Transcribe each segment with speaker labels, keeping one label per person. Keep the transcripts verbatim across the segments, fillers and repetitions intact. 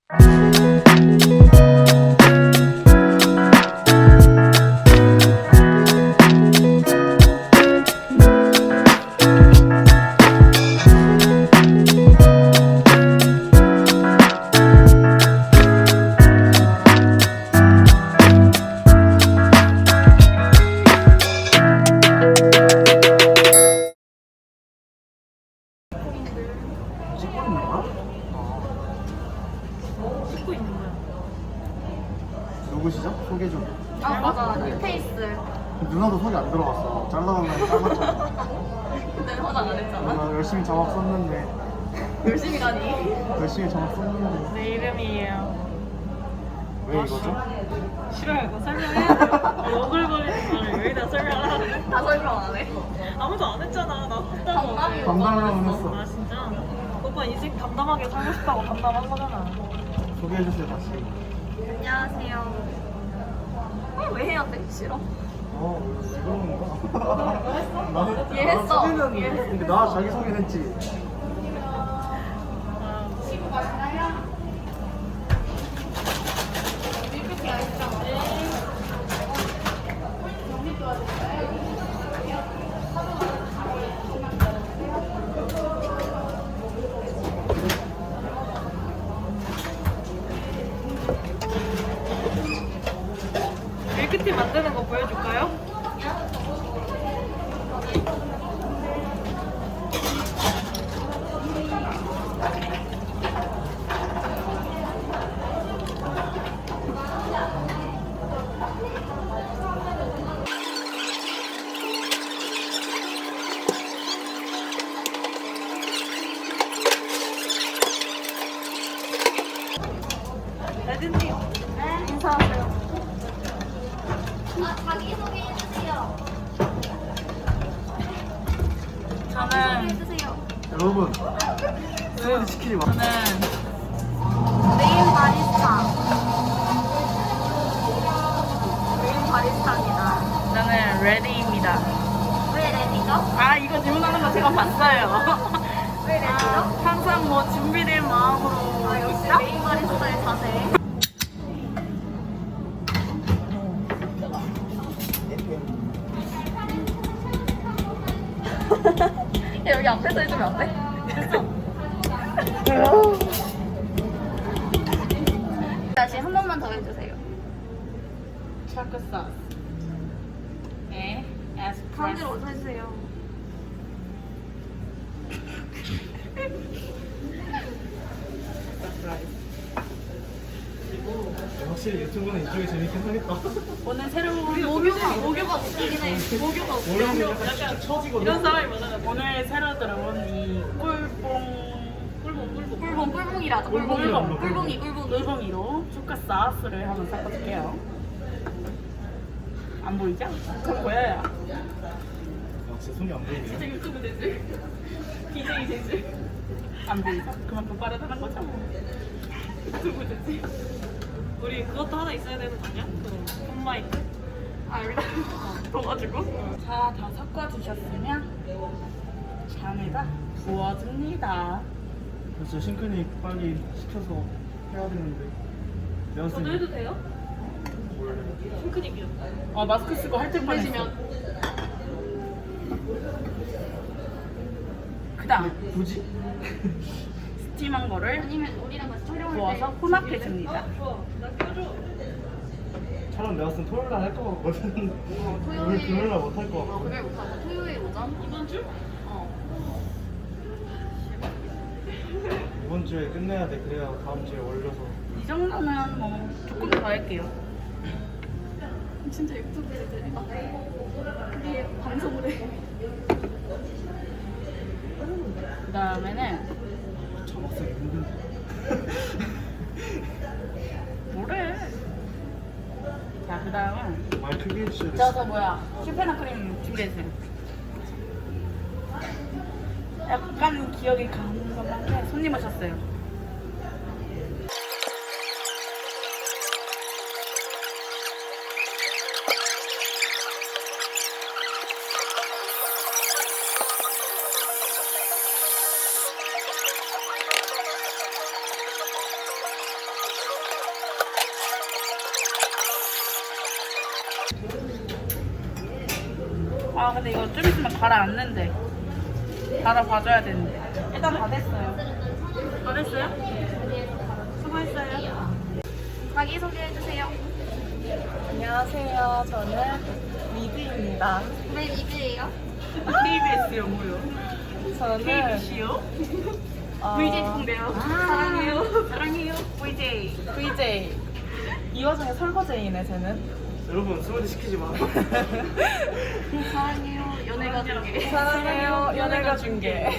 Speaker 1: 찍고 있는 거야?
Speaker 2: 찍고 있는 거야.
Speaker 1: 누구시죠? 소개 좀.
Speaker 3: 아 맞아 뉴페이스.
Speaker 1: 누나도 소개 안 들어갔어. 잘라달라고 잘랐잖아.
Speaker 3: 근데 화장 안 했잖아.
Speaker 1: 누나 열심히 자막 썼는데
Speaker 3: 열심히 가니.
Speaker 1: 열심히 자막 썼는데
Speaker 2: 내 이름이에요.
Speaker 1: 왜 이거죠?
Speaker 2: 싫어요. 이거 설명해야 돼요. 오글거리는 말을 여기다 설명을 하래.
Speaker 3: 다 설명 안 해.
Speaker 2: 아무도 안 했잖아. 나 했다고.
Speaker 3: 담담이
Speaker 1: 담당이라고 했어.
Speaker 2: 아 진짜? 오빠 인생 담담하게 살고 싶다고 담담한 거잖아.
Speaker 1: 소개해주세요 다시.
Speaker 3: 안녕하세요. 어, 왜 해야 돼? 싫어.
Speaker 1: 어 이거는 거? 나는
Speaker 3: 이해했어.
Speaker 1: 나 소개는
Speaker 3: 이해했어.
Speaker 1: 근데 나 자기 소개는 했지.
Speaker 2: 밀크티 만드는 거 보여줄까요? 레드님 인사하세요.
Speaker 3: 아 자기 소개 해주세요.
Speaker 2: 저는
Speaker 3: 해주세요.
Speaker 1: 여러분 스무디 시키지 마.
Speaker 2: 저는
Speaker 3: 메인 바리스타. 메인 바리스타입니다.
Speaker 2: 저는 레디입니다.
Speaker 3: 왜 레디죠?
Speaker 2: 아 이거 질문하는 거 제가 봤어요.
Speaker 3: 왜 레디죠?
Speaker 2: 아, 항상 뭐 준비된 마음으로
Speaker 3: 아 역시
Speaker 2: 있다?
Speaker 3: 메인 바리스타의 자세. 야, 여기 앞에서 해주면 안 돼? 다시 한 번만 더 해주세요.
Speaker 2: 초코 소스. 네, 에스프레소.
Speaker 3: 가운데로 오서 해주세요.
Speaker 1: 확실히 유튜브는 이쪽이 재밌긴 하겠다.
Speaker 2: 오늘 새로운
Speaker 3: 목요가 목요가 웃기긴 해.
Speaker 2: 목요가
Speaker 1: 원래는
Speaker 2: 목요
Speaker 1: 약간 처지거든.
Speaker 2: 이런 사람이 많아요. 오늘 새로 들어온 이 꿀뽕 꿀뽕 꿀뽕
Speaker 3: 꿀봉 꿀봉이라죠.
Speaker 1: 꿀봉,
Speaker 3: 꿀봉
Speaker 1: 꿀봉.
Speaker 3: 꿀봉이 꿀봉이.
Speaker 2: 꿀뽕이로 초코 소스를 한번 섞어줄게요. 안 보이죠? 저 보여요.
Speaker 1: 진짜 손이 안 보이네.
Speaker 2: 진짜 유튜브 되지? 비제이 되지? 안 보이죠? 그만큼 빠르다는 거죠? 유튜브 되지? 우리 그것도 하나 있어야 되는 거 아니야? 그 폰마이크?
Speaker 3: 아 여기다.
Speaker 2: 넣어가지고 자, 다 섞어주셨으면 잔에다 부어줍니다.
Speaker 1: 진짜 싱크니 빨리 시켜서 해야 되는데. 내가
Speaker 2: 저도
Speaker 1: 쓰니
Speaker 2: 해도 돼요? 핑크닉이요. 어, 마스크 쓰고 할 때
Speaker 3: 보내시면.
Speaker 2: 그 다음
Speaker 1: 굳이?
Speaker 2: 스팀한 거를
Speaker 3: 아니면 우리랑 같이 촬영할 때
Speaker 2: 부어서 혼합해줍니다.
Speaker 1: 촬영 내가 쓴 토요일 날 할 거 같거든.
Speaker 3: 어, 토요일.
Speaker 1: 오늘 금요일 날 못 할 거
Speaker 3: 어
Speaker 1: 같거든.
Speaker 3: 금요일 못하고 토요일 오전.
Speaker 2: 이번 주?
Speaker 3: 어.
Speaker 1: 이번 주에 끝내야 돼. 그래야 다음 주에 올려서.
Speaker 2: 이 정도면 뭐 조금 더 할게요.
Speaker 3: 진짜 유튜브에 되니까 그게 방송을 해.
Speaker 2: 그 다음에는
Speaker 1: 자막 쓰기 힘든데.
Speaker 2: 뭐래? 자, 그 다음은
Speaker 1: 말 크게 해주셔야 돼.
Speaker 2: 저저 뭐야 슈페나 크림 준비해주세요. 약간 기억이 가는 것만 해. 손님 오셨어요. 아 근데 이거 좀 있으면 가라앉는데. 갈아봐줘야 되는데. 일단 다 됐어요. 다 됐어요? 수고했어요.
Speaker 3: 자기 소개해주세요.
Speaker 4: 안녕하세요. 저는 미드입니다.
Speaker 3: 왜 미드예요?
Speaker 2: 케이비에스요 뭐요?
Speaker 4: 저는
Speaker 2: 케이비씨요?
Speaker 4: 어,
Speaker 3: 브이제이 통대요. 사랑해요.
Speaker 2: 사랑해요. 브이제이.
Speaker 4: 브이제이. 이 와중에 설거지이네 쟤는.
Speaker 1: 여러분 설거지 시키지 마.
Speaker 3: 사랑해요. 연애가 중계.
Speaker 4: 사랑해요. 연애가 중계.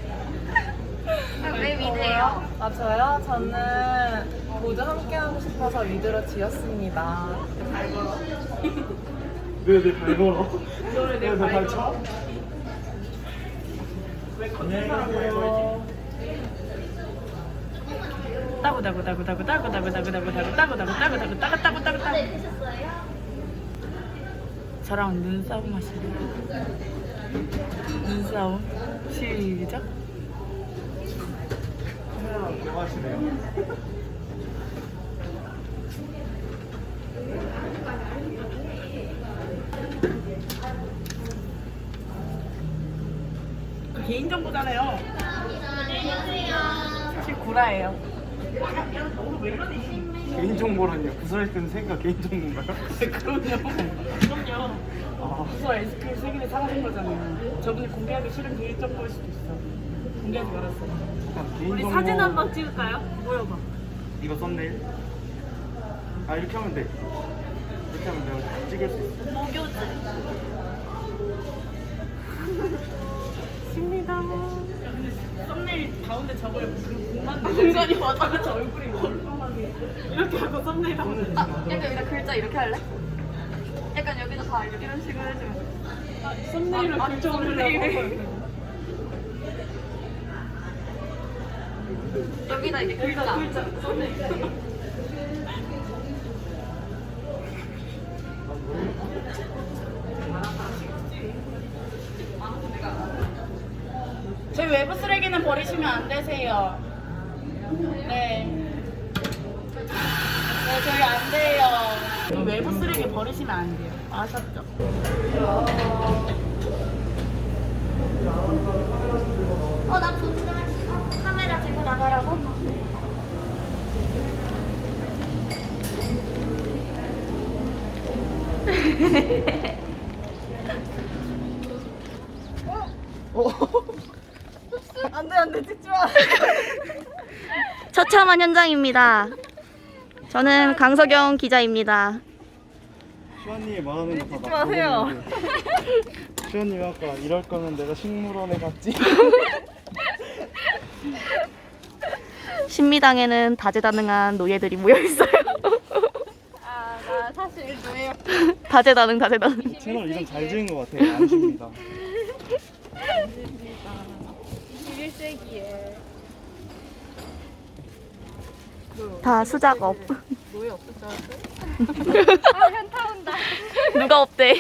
Speaker 3: 왜 미드예요?
Speaker 4: 아 저요? 저는 모두 함께하고 싶어서 미드로 지었습니다.
Speaker 1: 왜내발 걸어?
Speaker 2: 너를 내
Speaker 1: 왜내발
Speaker 2: 발
Speaker 1: 쳐?
Speaker 2: 왜 걷는 사람 발 걸지? 따구 따구 따구 따구 따구 따구 따구 따구 따구 따구 따구 따구 따구 따구 따구 따구 따구 저랑 눈싸움 하시네. 눈싸움 시작.
Speaker 1: 뭐 하시네요?
Speaker 2: 그 개인정보잖아요. 사실 구라예요.
Speaker 1: 개인정보라니요. 구설했던 생각 개인정보인가요?
Speaker 2: 그럼요. 그럼요.
Speaker 1: 아,
Speaker 2: 부서 에스큐엘 세계를 사가신 거잖아요. 저분이 공개하기 싫은 개인정보일 수도 있어. 공개하지 말았어요.
Speaker 1: 일단
Speaker 2: 우리
Speaker 1: 개인정보.
Speaker 2: 사진 한 방 찍을까요? 모여봐.
Speaker 1: 이거 썸네일. 아 이렇게 하면 돼. 이렇게 하면 내가 찍을 수 있어.
Speaker 2: 목요즈. 십니다. 썸네일 가운데 저걸 그 공간 공간이 맞아. 그치 얼굴이 멀쩡하게 이렇게 하고 썸네일 하면 돼.
Speaker 3: 아, 약간 여기다 글자 이렇게 할래? 약간 여기다 다 이렇게 이런 식으로 해주면 돼.
Speaker 2: 썸네일을
Speaker 3: 아,
Speaker 2: 글자
Speaker 3: 썸네일을.
Speaker 2: 올리려고.
Speaker 3: 여기다 이게 글자.
Speaker 2: 글자 썸네일. 저희 외부 쓰레기는 버리시면 안 되세요. 네. 네, 저희 안 돼요. 저희 외부 쓰레기 버리시면 안 돼요. 아셨죠?
Speaker 3: 어, 나 분장 카메라 들고 나가라고?
Speaker 4: 안돼 안돼 찍지 마.
Speaker 5: 처참한 현장입니다. 저는 강석영 기자입니다.
Speaker 1: 시원님이 말하는 거다
Speaker 4: 찍지 마세요.
Speaker 1: 시원님이 아까 이럴 거면 내가 식물원에 갔지.
Speaker 5: 신미당에는 다재다능한 노예들이 모여 있어요.
Speaker 3: 아, 나 사실 노예요.
Speaker 5: 다재다능 다재다능.
Speaker 1: 채널 이름 잘 지은 것 같아요. 안십니다.
Speaker 3: 이십일 세기에
Speaker 5: 다 수작업.
Speaker 3: 노예 없을 줄 알았어요? 아, 현타 온다.
Speaker 5: 누가 없대.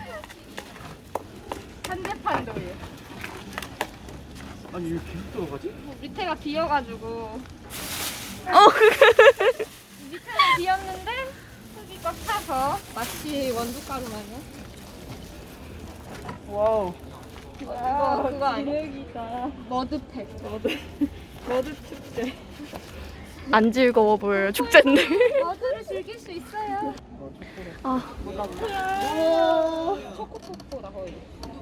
Speaker 3: 한대판 노예.
Speaker 1: 아니 왜 계속 들어가지?
Speaker 3: 밑에가 비어가지고
Speaker 5: 어.
Speaker 3: 밑에는 비었는데 흙이 꽉 차서 마치 원두가루 마냥.
Speaker 4: 와우.
Speaker 3: 이거 그거 아니야? 머드팩. 머드. 머드 축제.
Speaker 5: 안 즐거워 보여요. 축제인데.
Speaker 3: 머드를 즐길 수 있어요.
Speaker 5: 아,
Speaker 3: 오, 초코초코다 거의.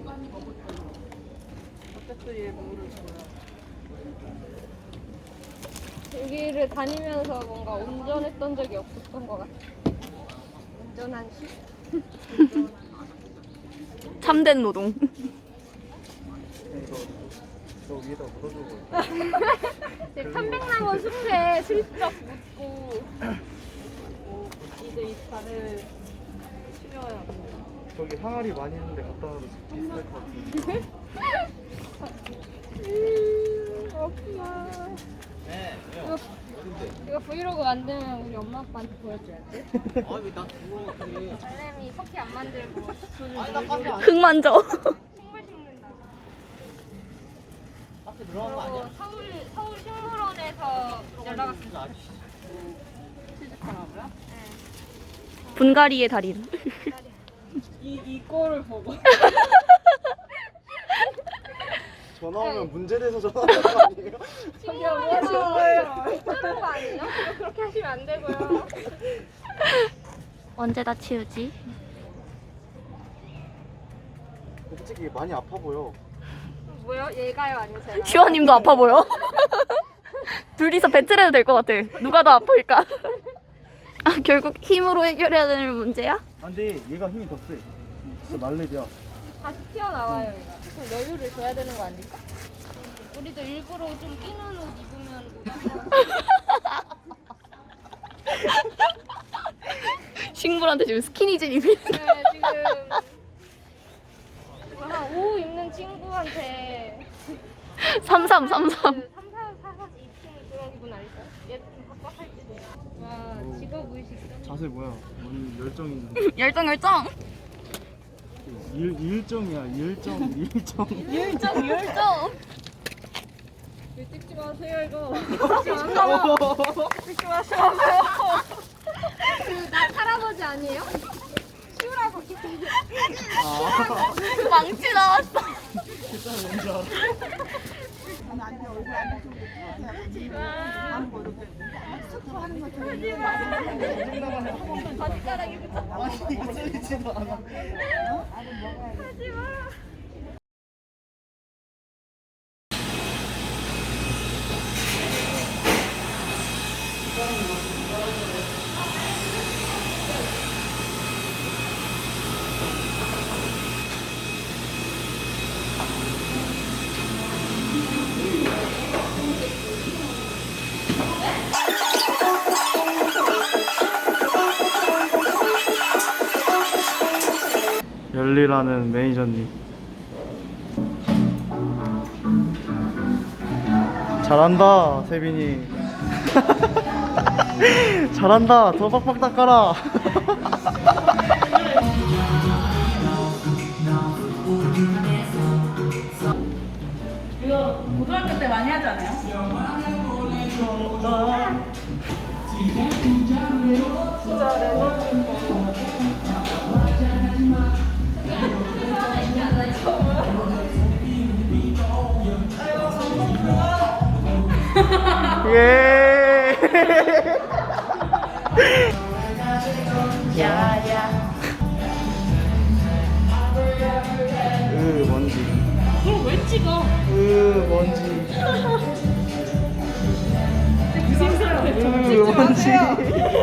Speaker 3: 여기를 다니면서 뭔가 운전했던 적이 없었던 것 같아. 운전한 시?
Speaker 5: 참된 노동.
Speaker 1: 이거 저 위에다 묻어주고.
Speaker 3: 네, 편백나무 숲에 슬쩍 묻고 이제 이 발을 시려야 합니다.
Speaker 1: 저기 항아리 많이 있는데 갖다 놔도 비쌀 것 같은데.
Speaker 3: 음, 그렇구나. 이거, 이거 브이로그 만들면 우리 엄마 아빠한테 보여줘야 돼.
Speaker 2: 아왜나 그거 그래?
Speaker 3: 달래미 커피 안 만들고
Speaker 5: 흙 만져.
Speaker 3: 식물 심는다.
Speaker 2: 앞에 들어간 거 아니야?
Speaker 3: 그리고 서울 서울 식물원에서 연락 왔습니다. 취직하라고요? 네.
Speaker 5: 분갈이의 달인.
Speaker 3: 이 이거를 보고
Speaker 1: 전화 오면 문제돼서 전화하는 거 아니에요?
Speaker 3: 친구야 뭐 하시는 거예요? 그런 거 아니에요? 이거 그렇게 하시면 안 되고요.
Speaker 5: 언제 다 치우지?
Speaker 1: 솔직히 많이 아파 보여.
Speaker 3: 뭐요? 얘가요 아니면 제가?
Speaker 5: 지원님도 아파 보여. 둘이서 배틀해도 될 것 같아. 누가 더 아플까? 아, 결국 힘으로 해결해야 되는 문제야?
Speaker 1: 아, 근데 얘가 힘이 더 세. 진짜 말렙이야.
Speaker 3: 다시 튀어나와요 얘가. 그럼 여유를 줘야 되는 거 아닐까? 우리도 일부러 좀 끼는 옷 입으면
Speaker 5: 식물한테 지금 스키니진 입이.
Speaker 3: 네, 지금 한 오 입는 친구한테
Speaker 5: 삼삼삼삼.
Speaker 3: 그 삼, 사, 사, 사, 이 팀 그런 기분 아닐까요? 얘좀 빡빡할지도. 와 직업 의식.
Speaker 1: 자세 뭐야? 오늘 열정이
Speaker 5: 열정 열정.
Speaker 1: 일 일정이야. 일정 일정.
Speaker 5: 열정 열정.
Speaker 3: 이거 찍지 마세요 이거. 찍지 마세요. 찍지 마세요. 그나 할아버지 아니에요? 치우라고.
Speaker 5: 망치 나왔어.
Speaker 1: 아니 이거 쓸리지도 않아. 열리라는 매니저님. 잘한다 세빈이. 잘한다. 더 빡빡 닦아라.
Speaker 2: 이거 고등학교 때 많이 하지 않아요?
Speaker 1: 예. 으 먼지.
Speaker 2: 그걸 왜 찍어?
Speaker 1: 으 먼지.
Speaker 2: 기생사한테
Speaker 1: 으 먼지.